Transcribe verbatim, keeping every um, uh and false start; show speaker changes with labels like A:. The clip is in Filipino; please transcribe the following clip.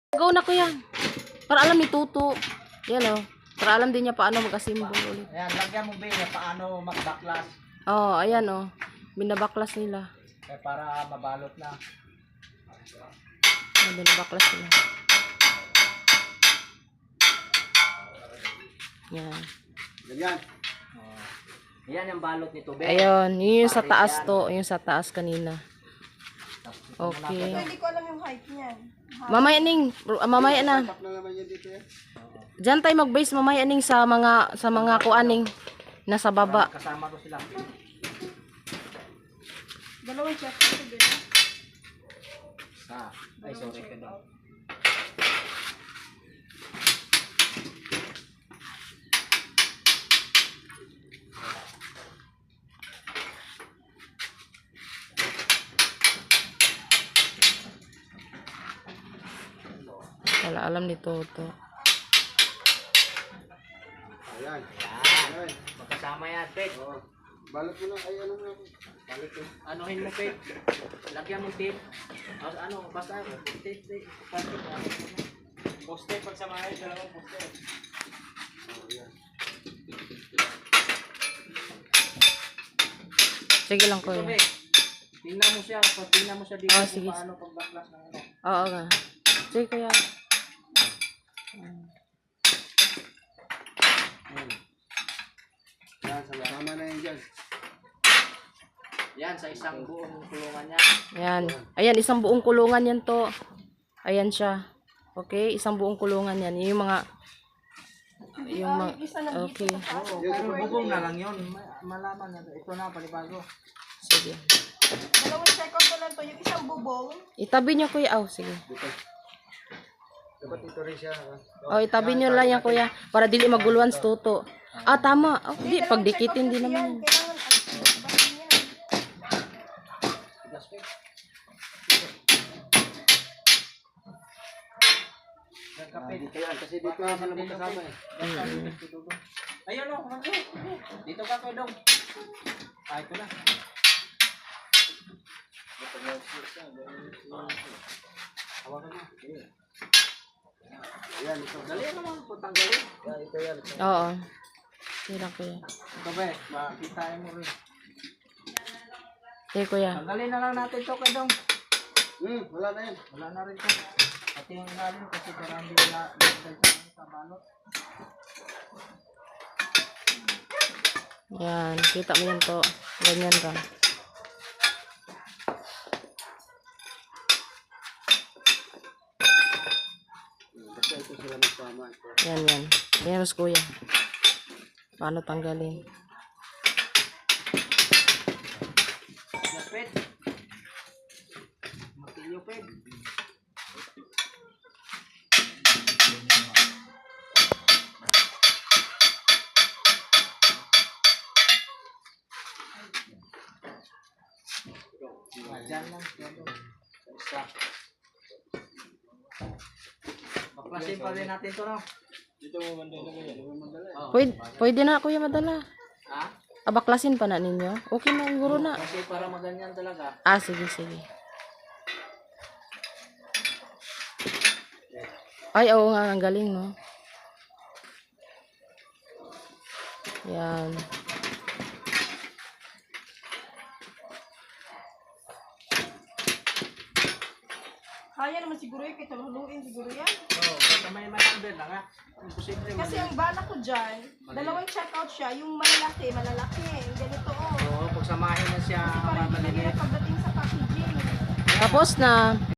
A: Go na kuya. Para alam ni Tuto. Yan o. Para alam din niya paano mag-assemble ulit.
B: Ayan, lagyan mo ba niya paano mag-backlash.
A: Oo, oh, ayan o. Oh. Binabaklas nila.
B: Eh, para mabalot na.
A: Ayan, binabaklas nila. Yan.
B: Ganyan. Oh. Yan yung balot nito, be.
A: Ayun, yun yung sa taas to. Yung sa taas kanina. Okay.
C: Hindi ko alam yung height niyan.
A: Mamaya ning, mamaya na. Diyan tayo mag-base mamaya ning sa mga sa mga kuaning nasa baba.
B: Kasama ko sila.
C: Dalawang check ito din.
B: Ah, ay sorry ka daw.
A: Wala alam ni Toto.
B: Ayan. Ayan. Magkasama yan, Peg. Oh.
D: Balot mo lang. Ay, ano nga. Balot mo.
B: Anuhin mo, Peg. Lagyan mo tape. O, ano, basta tape, tape. Poste, pagsamahin, dalawang poste.
D: Oh, yan.
A: Sige lang
B: Ito,
A: kuya.
B: Peg. Tingnan mo siya. Tingnan mo siya dito
A: Oh,
B: kung
A: sige.
B: paano pag-backlash ng ano.
A: Oo nga. Sige kuya.
D: Yan, sama na yan dyan.
B: Yan, sa isang buong kulungan niya.
A: Ayan. Ayan, isang buong kulungan yan to. Ayan siya. Okay, isang buong kulungan yan. Yung mga yung mga okay.
B: Oo, pero bubong na lang yun. Ma- Malaman na. Ito na, panibago.
A: Sige.
C: Dalawang check out ko lang to. Yung isang bubong.
A: Itabi niyo kuya. Oh, sige.
D: Dapat ito rin siya.
A: Oh, itabi niyo lang yan kuya para dili maguluan sa Toto. Ah, tama. Oh, di pagdikitin din naman. Yan.
C: Kailangan at basin yan.
B: Kape.
D: Dito yan. Kasi dito yan sila magkasama eh.
B: Ayun o, kumangko. Dito ka ko dong. Ah, ito na. Hawakan mo.
D: Ayan, ito.
B: Dali naman po, tanggalin.
D: Yan, ito yan. Ito.
A: Oo. Sige lang kuya.
B: Ito ba, makitain mo rin.
A: Sige kuya.
B: Tanggalin na lang natin to kay dong.
D: Hmm, wala na yan.
B: Wala na rin to. Pati yung ilalim kasi parang hindi wala sa balot.
A: Yan. Kita mo yan to. Ganyan ka.
D: Basta ito sila magsama. Ito.
A: Yan, yan. Yan mas kuya. Paano tanggalin?
B: Ped. Matilyo, Ped. Diyan lang. Isa. Baklasin pa rin natin to, no?
D: Dito mo mandala ko yan. Dito mo mandala.
B: Oh.
A: Pwede, pwede na kuya madala.
B: Ha?
A: Abaklasin pa na ninyo? Okay na, siguro na.
B: Kasi para maganyan talaga.
A: Ah, sige, sige. Ay, oo nga, ang galing, no? Yan.
C: Kaya naman siguro yun. Kahit haluin siguro yan.
B: Oo, basta may manakbel na nga. Imposible.
C: Kasi ang bala ko dyan, dalawang check out siya. Yung malaki, malalaki. Yung ganito oh.
B: Oo, pagsamahin na siya.
C: Parang hindi na
B: Mamaliliit.
C: pagdating sa packaging.
A: Tapos na.